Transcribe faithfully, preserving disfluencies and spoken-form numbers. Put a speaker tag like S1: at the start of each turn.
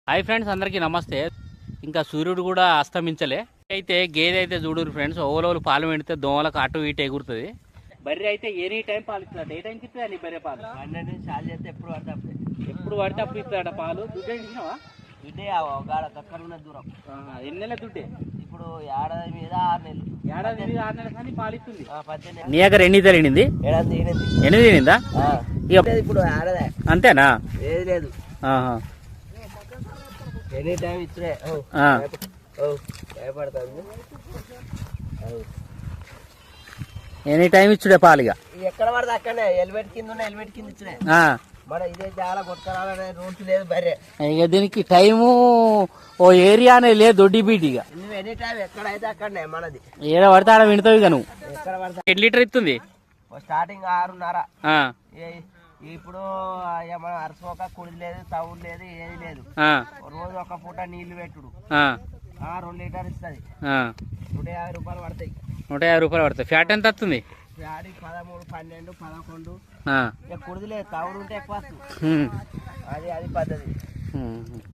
S1: Hi friends, అందరికీ నమస్తే. ఇంకా సూర్యుడు కూడా అస్తమించలే. అయితే గేదె అయితే చూడరు ఫ్రెండ్స్, ఓవలోలు పాలు పెడితే దోమలకు అటు ఇటు ఎగురుతుంది. బర్రె అయితే ఎనీ టైం పాలు ఇస్తుంది. ఏ టైంకి ఇస్తుంది అని బర్రె పాలు
S2: పన్నెండు చాలు చేస్తే ఎప్పుడు పడితే అప్పుడే
S1: ఎప్పుడు పడితే అప్పుడు ఇస్తాడ పాలు. దుడ్డే ఇచ్చినావా?
S2: దుడ్డే గాడ దక్కర ఉన్న దూరం.
S1: ఎన్ని నెలల దుడ్డే?
S2: ఇప్పుడు ఏడాది మీద ఆరు నెలలు.
S1: ఏడాది మీద ఆరు నెలల కానీ పాలు ఇస్తుంది.
S2: పద్దెనిమిది
S1: నీ దగ్గర ఎన్ని తెలియనింది?
S2: ఏడాది ఎనిమిది
S1: ఎనిమిది తినిందా?
S2: ఇప్పుడు ఏడాది
S1: అంతేనా?
S2: ఏది లేదు,
S1: ఆహా.
S2: ఎనీ టైం ఇచ్చుడే. భయపడతాను.
S1: ఎనీ టైం ఇచ్చుడే పాలుగా.
S2: ఎక్కడ పడితే అక్కడనే హెల్మెట్ కింద ఉన్న హెల్మెట్ కింద ఇచ్చుడే. మన ఇదే చాలా కొట్టుకురావాలనే రూల్స్ లేదు బర్రె.
S1: ఇక దీనికి టైము ఓ ఏరియానే లేదు, దొడ్డి బీటిగా.
S2: నువ్వు ఎనీ టైం ఎక్కడైతే అక్కడనే మనది.
S1: ఏడ పడితే ఆడ వింటావు ఇక నువ్వు.
S2: ఎక్కడ పడితే
S1: ఎన్ని లీటర్ ఇస్తుంది?
S2: స్టార్టింగ్ ఆరున్నర.
S1: ఆ,
S2: ఇప్పుడు మన అరసోక కుడి లేదు, తవుడు లేదు, ఏది లేదు.
S1: ఆ,
S2: రోజు ఒక పూట నీళ్లు పెట్టుడు.
S1: ఆ,
S2: ఆ రెండు లీటర్ ఇస్తుంది.
S1: ఆ.
S2: నూట యాభై రూపాయలు పడతాయి.
S1: నూట యాభై రూపాయలు పడుతుంది. ఫ్యాట్ ఎంత వస్తుంది?
S2: యాడి పదమూడు, పన్నెండు, పదకొండు.
S1: ఆ,
S2: ఇక కుడిది లేదు, తవుడు ఉంటే ఎక్కువ వస్తుంది.
S1: ఉమ్,
S2: అది అది పద్ధతి.
S1: ఉమ్.